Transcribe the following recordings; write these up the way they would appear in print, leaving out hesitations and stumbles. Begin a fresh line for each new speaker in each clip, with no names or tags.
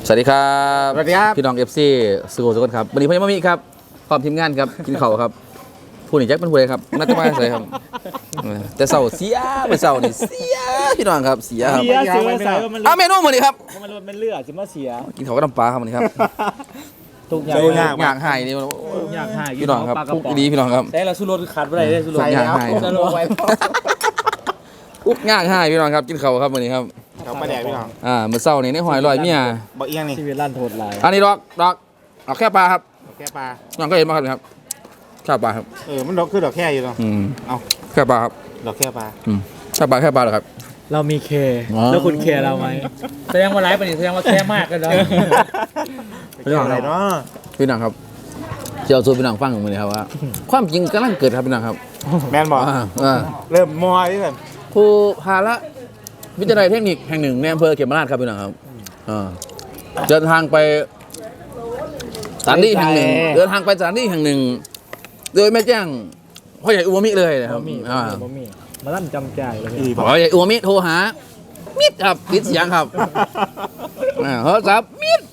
วัสดีครับ
สวัสดีครับ
พี่น้องเอฟซีสุโขทัยครับวันนี้พี่มามีครับพร้อมทีมงานครับกินข้าวครับผู้หนีแจ็คเป็นผู้ใดครับน่าจะมาใส่ครับแต่เสาเสียไปเสานี่เสียพี่น้องครับเสียครับ
เสียเสียว่ามัน
เอาเมนูมาดิครับ
มันมันเลือดจะมาเสีย
กินข้าวกับน้ำปลาครับวันนี้ครับ
ทุกอย่าง
อยากหายนี่
อยากหาย
พี่น้องครับปุ๊กดีพี่น้องครับ
แต่เราสู้รถขาดไปได้สู้รถ
อยากหาย
สู้รถไว้
ปุ๊กอยากหายพี่น้องครับกินข้าวครับวันนี้ครับ
เขามาแดกพี่น้อง
เมื่อเช้านี่ในหอยลอยเมีย
บอกเอียงนี่
ชีวิตลั่นโทษลาย
อันนี้ดอกเอาแค่ปลาครับ
ดอกแค่ปลา
น้องก็เห็นมาครับแค่ปลาครับ
มันดอกคือดอกแค่อยู่เนาะ เอา
แค่ปลาครับ
ดอกแค่ปลา
แค่ปลาเหรอครับ
เรามีเค
อ๋อ
แล้วคุณเคเราไหมแสดงว่าไลฟ์ไปนี่แสดงว่าแค่มากกันเนาะ
เป็นอะไรเนาะ
พี่น้องครับเจ้าสู่พี่น้องฟังมาเลยครับว่า ความจริงกำลังเกิดครับพี่น้องครับ
แมนบอก เริ่มมอยที่แบบ
ครูพาละวิทยาลัยเทคนิคแห่งหนึ่งในอำเภอเขมราชครับพี่น้องครับเดินทางไปสถานที่แห่งหนึ่งโดยไม่แจ้งพ่อใหญ่อุวมิเลยนะครับ
บ่มีมาลั่นจำใจเลย
อีบอก
พ่อใหญ่อุวมิโทรหามิดครับปิดเสียงครับโทรศัพท์มิด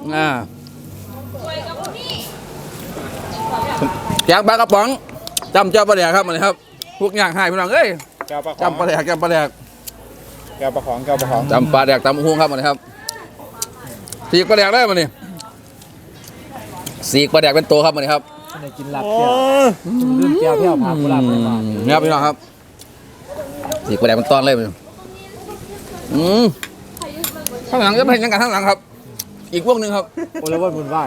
แกงปลากระป๋องจำเจ้าปลาแดกครับมาเลยครับพวกย่างหายพี่น้องเอ้ย
แก้วปลาของ
จำปลาแดก
แก้วปลาของ
จำปลาแดกตำหุ้งครับมาเลยครับสีกปลาแดกได้มาเนี่ยสีกปลาแดกเป็นตัวครับมาเลยครับ
ในกินหลับเที่ยวลืมแก้วเที่ยวพากุหลาบไปมา
นี่ครับพี่น้องครับสีกปลาแดกเป็นตอนเลยมันข้างหลังจะเป็นยังไงข้างหลังครับ อีกพวกหนึ่งครับ
โอเลวันบุญไหว้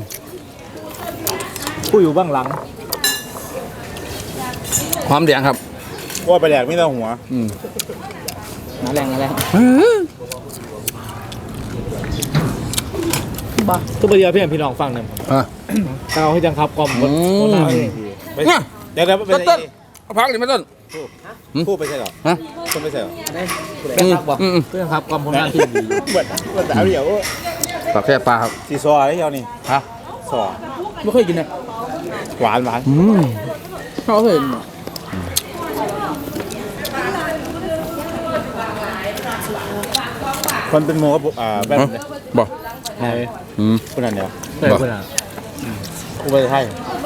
ๆ
ผู้อยู่เบื้องหลัง
ความแดงครับ
ว่าไปแดกไม่ต้องหัว
มาแรงบ้าทุกประเดี๋ยวพี่น้องฟังหนึ่งเอาให้จังครับกลมคนหน้าเองดี
เดี๋ยวเป็น
ต้นเอาพักดิไม่ต้น
พูดไปใช่หรอ
ฮะ
พูดไปใช่หรอ
เพื่อนครับบอกเพื่อนครับกลมคนหน้าที่ดี
เหมือนสาวเดียว
ปลาแค่ปลาครับ
สีซออะไรเดียวนี่
ฮะ
ซอ
ไม่เคยกินเลย
หวาน
เขาเคย
คนเป็นโมกับแบบ
บอก
ไหน
คนนั้นเดียว
เคยคนอ่ะ
กูไปไทย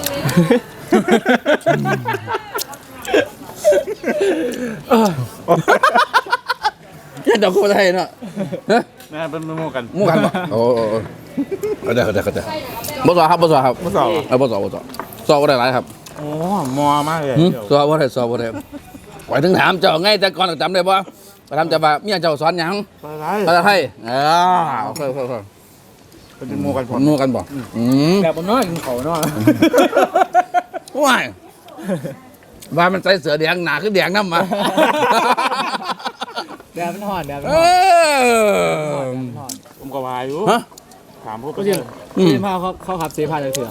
เนี่ยเดี๋ยวกูไปไทยเนาะ
นั่นเป็นโมกัน
มู่กันบ่โอ้เดี๋ยวบ่สอครับบ่สอครับ
บ่สอ
บ่สอสอบ่ได้หลายครับ
โอ้มอมากเลย
สอบ่ได้ไว้ถึงถามเจ้าไงแต่ก่อนจำได้บ่ไปทำจะว่าเมียเจ้าสอนหยัง
อะไร
ภาษาไทยโอเค
เป็นโมกันผ
ผม มนู่กันบ่
แบบบนน้อยกินเขาน้อย
ว้ายว่ามันใส่เสือแดงหนาคือแดงน้ำมา
แดดมันห่อนแดดมัน
เอ
ห่อน
อ
ผมก็พายอยู่
ฮะ
ถามพวก
ก็จริงเซพาเขาขับเซพาเลยเถื่อ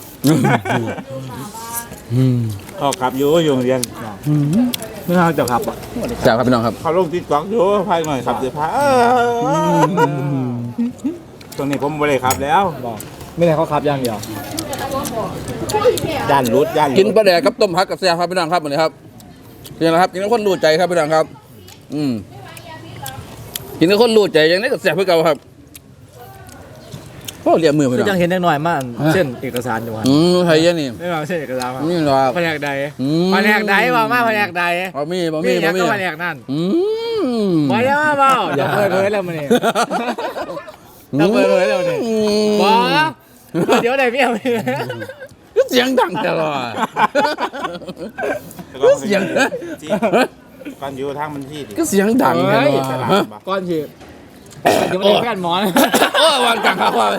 เขาขับอยู่เรียน
ไม่น่าจะขับอ่ะ
จ้าครับพี่น้องครับ
เขาลงติ๊กต็อกอยู่พายหน่อยขับเดี๋ยวพายตรงนี้ผมไม่ได้ขับแล้ว
บอกไม่ได้เขาขับอย่างเดียว
ย่านรุด
กินปลาแดกกับต้มผักกับแซ่บครับพี่น้องครับวันนี้ครับกินนะครับกินแล้วคนรู้ใจครับพี่น้องครับกินแล้วคนรู้ใจอย่างนี้กับแซ่บเพื่อเก่าครับก็เรียกมือพี่
ก็
น้อง
ยังเห็นน้อยมากเส้นเอกสารอยู่ครับ
ไทยยังนี่
ไม่มาเส้นเอกสารครับ
นี่หรอ
แผนกใดแผนกใดว่ามาแผนกใด
บ่มี
ยังก็แผนกนั่นมาเยอะมาเปล่าอย่าเปิดเผยแล้วมันนี่อย่าเปิดเผยแล้วนี่ว้าเดี๋ยวไหนพี่เอา
เสียงดังตลอดเสียง
ก่อนอยู่ทางมันที่
ก็เสียงดังตลอด
ก้อนฉีดเดี๋ยวมันเป็นแฟนหมอน
โอ้วันกลางครับว่า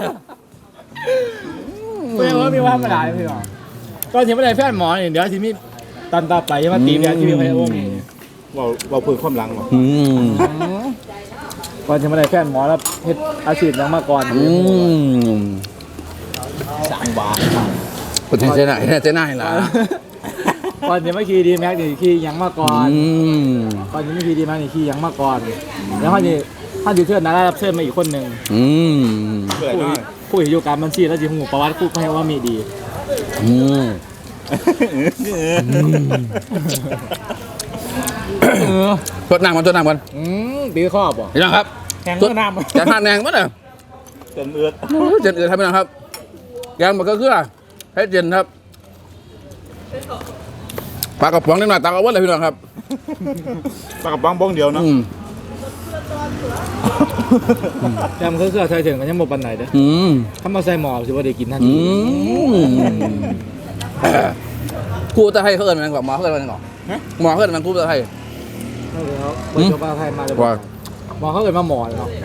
ไม่ใช่ว่ามีว่ามาด่าเลยพี่หรอก้อนฉีดไม่ได้แฟนหมอนเดี๋ยวทีนี้ตันต่อไปยังมาตีเดียวที่มีใครวง
เราพื้นความหลังวะ
ก่อนฉีดไม่ได้แฟนหมอนแล้วเฮ็ดอาชีพยังมาก่อนสั่งบาท
คนเจน่าล่ะ
ก่อนฉีดไม่ขี่ดีแม็กนี่ขี่ยังมาก่อนก่อนฉีดไม่ขี่ดีแม็กนี่ขี่ยังมาก่อนแล้วเขาจะเชิญนะรับเชิญมาอีกคนหนึ่ง
เปิดหน่อย
ผู้อยู่การบัญชีแล้วจีหูประวัติผู้ให้ว่ามีดี
ทดน้ำกัน
ตีข้อบ่
เห็นไหมครับ
แข่งเมื่อน้ำ
จะทานแดงมั้ยเนี่ย
เต็มเอือด
เจนอื่นครับพี่น้องครับแกงมันก็คือให้เจนครับปลากระป๋องนิดหน่อยตักเอาไว้เลยพี่น้องครับ
ปลากระป๋องบ้องเดียวเนาะ
ยำเครื่องใส่ถึงกันยังบ่ปันไหนเด้อถ้ามาใส่หม้อสิว่าได้กินทันที
กูจะให้เขาเอิญมันก่อนหมอเขาเอิญมันก่อนหมอเขาเอิญมันกูจะให้
นั่นเลยครับเปิดโจ๊กไทยมาเลยหม้อเขาเอิญมาหม้อเนาะ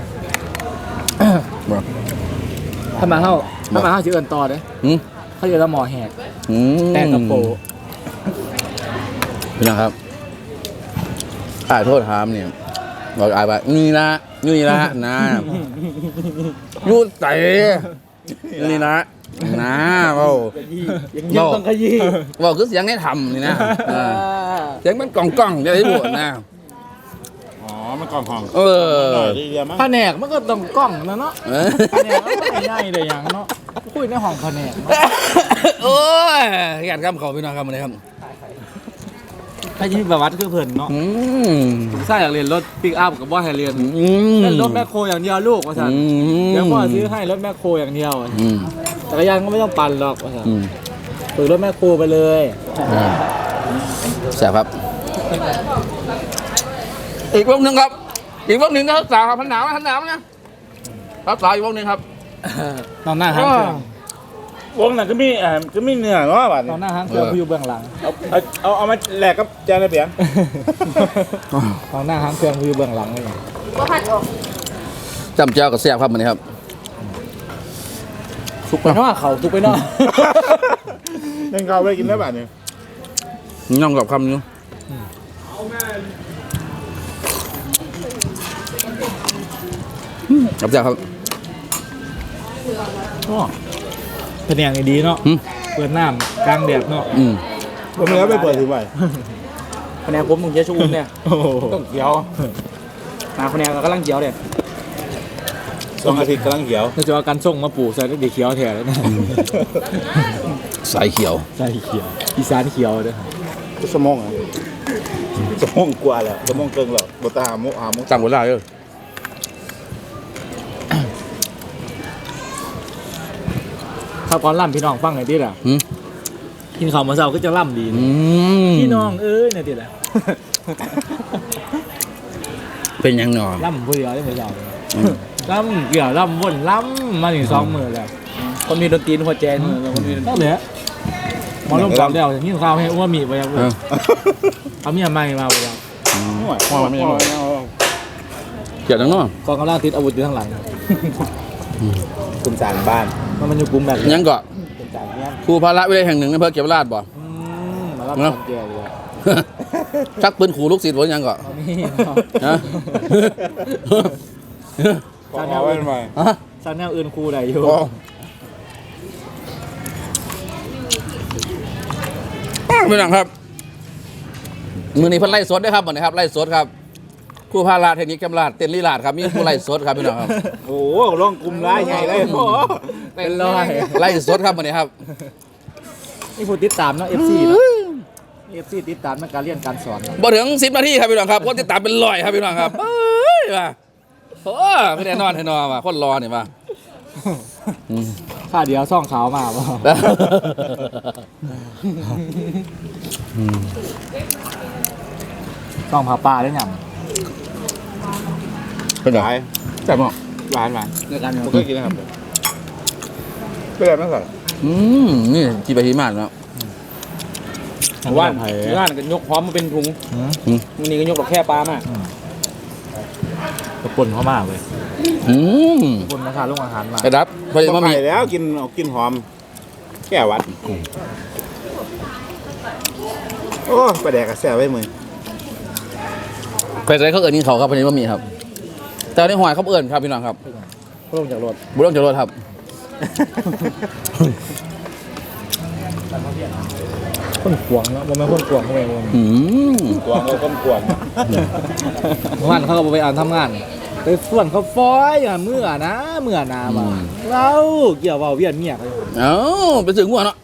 ถ้ามาเข้าชื่อเอิญต่อเด้อเขาเอิญแล้วหม้อแหกแต่กระโปง
พี่น้องครับอ่าโทษถามเนี่ยบอกอายไปนี่นะนะยูใส่นี่นะเบา
ยังต้องขยี้
เบาคือเสียงให้ทำนี่นะเสียงมันกล่องจะได้บวชนะ
อ๋อมันกล่องของ
เออ
ดีเดียวมั้ง
แผนกมันก็ต้องกล้องนะเนาะแผนกมันก็ไม่ง่ายเลยอย่างเนาะคุยในห้องแผนก
โอ้ยอยากทำเขาพี่น้องครับมาเลยครับ
ถ้ายิ่งประวัติคือเพิ่นเนาะใช่อยากเรียนรถปิกอัพกับว่าให้เรียนเล่นรถแมคโครอย่างเดียวลูกว่าสันเดี๋ยวพ่อซื้อให้รถแมคโครอย่างเดียวจักรยานก็ไม่ต้องปั่นหรอกว่าสันฝึกรถแมคโครไปเลย
แสบครับอีกวงหนึ่งครับอีกวงหนึ่งนะครับสาวครับพันหนาวนะครับสาวอีกวงหนึ่งครับ
ตอนหน้าห้างเครื่อง
วงนั้นก็มีเนื้อเนาะบัด
ตอนหน้าห้างเครื่องอยู่เบื้องหลัง
เอามาแลกกับจานระเบียง
ตอนหน้าห้างเครื่องอยู่เบื้องหลังเลย
จำเจ้ากับแสบครับมันนี้ครับ
ทุกไปเนาะเขาทุกไปเนาะ
ยังเขาไปกินได้บัดเนี่ย
ย่องกับคำนี้จับเจ้าครับ
แผนกดีเนาะเปิดน้ำกลางแดดเนาะ
ผมแล้วไปเปิดถึงไหน
แผนกผมต้องเยอะชุ่มเนี่ยต้องเขียวแผนกเรากำลังเขียวเนี่ย
2 อาทิตย์กำลังเขียว
ถ้าจะเอาการส่งมาปลูกใส่ได้ดีเขียวแถวแล้วนะ
สายเขียว
ใส่เขียวอีสานเขียวเด้อ
สมองกว่าแล้วสมองเกิงแล้วบ่ตาหามุ
จังหวะได้เลย
ข้าวก้อนล่ำพี่น้องฟังหน่อยดิล่ะกินข้าวมาเช้าก็จะล่ำดีนะพี่น้องเนี่ยดิล่ะ
เป็นยังหนอ
ล่ำผู้เดียวได้เหมือนเราล่ำเกี่ยวล่ำวนล่ำมาถึง2 มื้อแล้วคนมีดนตรีหัวใจมือคนมีต้องเหลือหมอลงกลับแล้วนี่ข้าวให้อ้วนมีไปยังเอาเมียใหม่มาไปยัง
เกี่ยวจังเนาะ
กองกำลังติดอาวุธอยู่ข้างหลัง
คุณสารบ้าน
มันอยู่กลุ่มแบบ
ยังก็
เป็นจากเนี้ย
ครูพาระวิทยาแห่งหนึ่งในอำเภอเก็บราชบ่
มารับความแก่เลย
ชักปืนขู่ลูกศิษย์ผมยังก็
นี่
ฮะ
ขอไว้ทำไม
ซาแนลอื่นครูได้อยู่
พี่น้องครับมือนี้เพิ่นไล่สดด้วยครับวันนี้ครับไล่สดครับครูพาราเทคนิคแคมราชเต้นลีลาดครับมีผู้ไล่สดครับพี่น้องครับ
โอ้โหลงกลุ่มร้ายใหญ่เลยโอ้
เป็นร้อย
ไล่สดครับวันนี้ครับ
นี่ผู้ติดตามเนาะ FC เนาะ FC ติดตามในการเรียนการสอน
บ่ถึง10 นาทีครับพี่น้องครับคนติดตามเป็นร้อยครับพี่น้องครับเอ้ยว่ะโอ้ไม่ได้นอนให้นอนว่ะคนรอเนี่ยว่ะ
ค่าเดียวซ่องขาวมาบ่ซ่องผาป่าได้ยัง
เป็นไรแซ่บมั้ง
หวาน
ในการ
ผมก็กินนะครับเป็นไรบ้างก่อน
นี่จีบะฮีมากเนาะ
ว่านกันยกพร้อมมาเป็นถุงมันนี่ก็ยกดอกแค่ปลามากกระปุ่นเข้ามากเลยกระปุ่นราคาลงอาหารมาก
กระดับพอดีมามี
ไปแล้วกินหอมแก้วัดโอ้ไปแดกกระแสไว้มือ
ใครเขาเอิญกินเขาครับพอดีมามีครับ แต่ในหอยเขาเอิญครับพี่น้องครับ
ลงจากรถ
บุญต้องจะรถครับ
คนขวงเนาะมันไม่คนขวงเขาไม่คน
กวางก็กวาง
งานเขาก็ไปอ่านทำงานไปส่วนเขาฟอยอ่ะเมื่อนามาเราเกี่ยวว่าเวียนเมียเขา
เอ้าไปถึงหัวเนาะ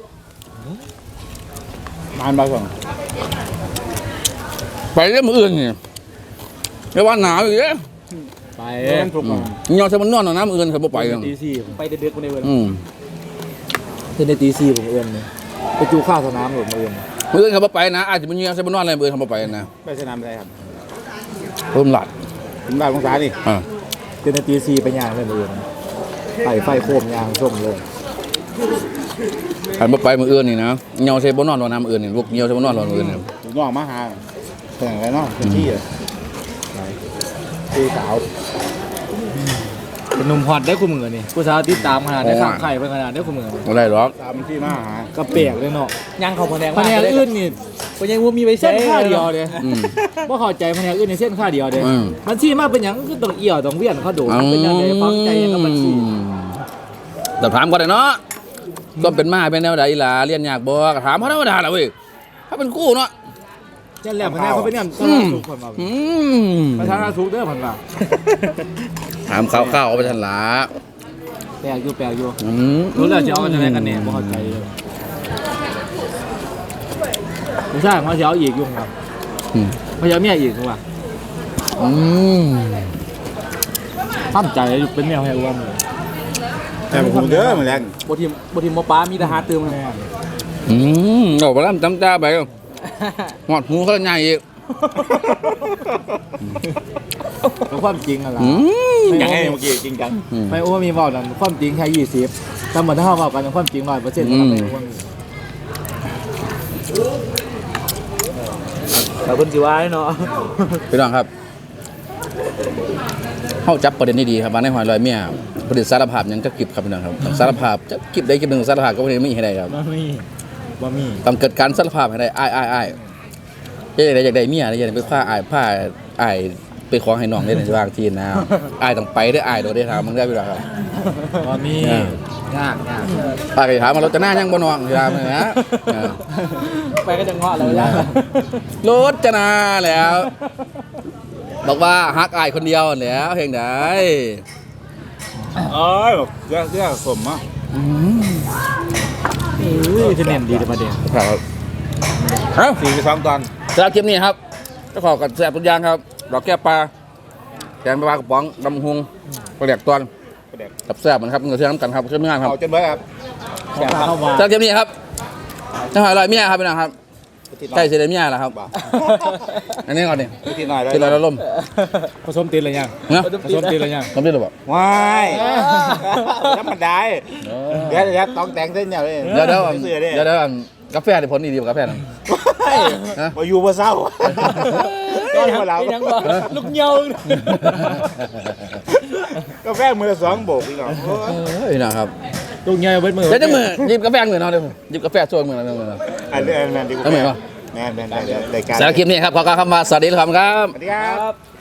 มานบาส่ง
ไปเรื่องมืออื่นเนี่ยไม่ว่าหนาวอยู่เนี่ย
ไป
เล่นถูก
ยอมใช้มันนอนหนองน้ำอื่นเขาบ่ไปกัน
ตีสี่ผมไปเด็กๆคนเดียวเลย
อืม
เที่ในตีสี่ผมเอื้อนเลยไปจูข้าวสนามผมเอื้อน
อื่นเขาบ่ไปนะอาจจะมันยอมใช้มันนอนอะไรอื่นเขาบ่ไปนะ
ไปสนามอะไรครับ
เพิ่มหลัด
ถึงบ้านของสานี่
อ่า
เที่ในตีสี่ไปย่างเลยเอื้อนไฟโคมย่างส้มเลย
หันบ่ไปมืออื่นนี่นะยอมใช้บ่นอนหนองน้ำอื่นนี่ลูกยอมใช้บ่นอนหนองอื่นนี่
ถึงน้องมาหาแต่งอะไรเนาะเป็นที่อ่ะที่สาว
เป็นหนุ่มฮอตได้คู่มือนี่ผู้สาวติดตามขนาดได้ข้างไข่เป็นขนาดได้คู่มือ
บ่ได้หรอก
สาวเป็นที่มาหา
ก็เปียกเลยเนาะย่างเขาแผนกอื่นนี่ก็ยังว่ามีไปเส้นข้าเดียวเลย
อืม
ว่าเข้าใจแผนกอื่นในเส้นข้าเดียวเลย
อืม
มันชี้มากเป็นอย่างก็ต้องเอี่ยวต้องเวียนเขาโดดเป็นอย่างไรฟังใจกับมันชี้
แต่ถามก่อนเลยเนาะก็เป็นมาเป็นแนวใดล่ะเรียนยากบ่ก็ถามเขาธรรมดาล่ะเว้ยถ้าเป็นกู้เนาะ
เช่นแล้วแผนกเขาเป็นอย่างสาธารณสุขคนมา
อืม
ประธานาสุขเด้อพันว่า
ถามข้าวๆเอาไปทันละ
แปลกอยู่
อืม
รู้แล้วจะเอากันจะได้กันแน่บ่เข้าใจเลยผู้ชายเขาจะเอาอีกยุ่งครับ
อืม
เขาจะเอาเมียอีกว่า
อืม
ตั้งใจเป็นแมวให้อ้วน
แต่ผมเด้อเหมือนแรง
บทีมหมอป้ามีทหารเติมแม่
อืมเอาไปแล้วจำจ้าไปหอดหูเขาใหญ่อีก
เป็นความจริงอะไร
อืม
อย่างไงเมื่อกี้จริงจัง
ไม่อ้วนมีเบาดันความจริงแค่20แต่เหมือนถ้าเราเบากันความจริง100%นะครับไม่อ้วนแต่คนสิว่าเนาะ
พี่น้องครับเข้าจับประเด็นนี้ดีครับว่าในหอยลอยเมียผลิตสารภาพหยังจะกิบครับพี่น้องครับสารภาพจะกิบได้กิบหนึ่งสารภาพก็ไม่ได้ไม่ให้ได้ครับ
บ่มี
ต้องเกิดการสารภาพให้ได้อ้ายอยากได้เมียอยากได้ไปผ้าอ้ายไปขอให้น้องได้ในบางทีนะอ้ายต้องไปได้อ้ายโดดได้ทำมึงได้พี่น้องครับ
บ่มียาก
ป้าก็ถามว่าเราจะหน้ายังบ่น้องถามเลยนะ
ไปก็จะเงาะแล้วยาก
รถจะนาแล้ว บอกว่าฮักอายคนเดียวแล้วเพลงใด
เอ้ยแบบเสื้อสมอ่ะ
จะเน้นดีแต่ประเด็น
ครับเอ้า
42 ตอน
สำหรับคลิปนี้ครับก็ขอกับแซ่บทุกอย่างครับดอกแก้วปลาแกงปลากระป๋องดำหุงปลาแดกตอน
ประเด็ก
กับแซ่บเหมือนครับเงินเชื่อมกันครับเชื่อมงานครับ
เอาจนเบิดครับ
เข้ามา
สำหรับคลิปนี้ครับจะหอยลอยเมียครับพี่น้องครับใกล้เสร็จแล้วเมียแล้วครับ
บ่
อันนี้ก่อนดิ
ทีหน่อยเลย
ที่เราล่ม
ผสมตีนอะไรยัง
เนาะ
ผสมตีนอะไรยัง
ล่มได้หรือเปล่า
ว้ายธรรมดาเดี๋ยวต้องแต่งเส้นเนี่ยเลย
เดี๋ยว
เสื้อเนี่ย
กาแฟที่ผลดีกว่ากาแฟนั่น
มาอยู่มาเศร้าก็มาเรา
ยังบ่ลูกเหยา
กาแฟมือละ2 โบกอีกเหรอ
พี่น้องครับ
ลูกเหยาเบิดมือ
เดี๋ยวจะมือหยิบกาแฟเหมือนเราเดี๋ยวหยิบกาแฟชวนเหมือนเราเดี๋ยว
อันนี้แมนดีกว่า
ทำไมวะ
แมนได้รายการ
สำหรับคลิปนี้ครับขอกล่าวคำว่าสวัสดีครับ
สวัสดีครับ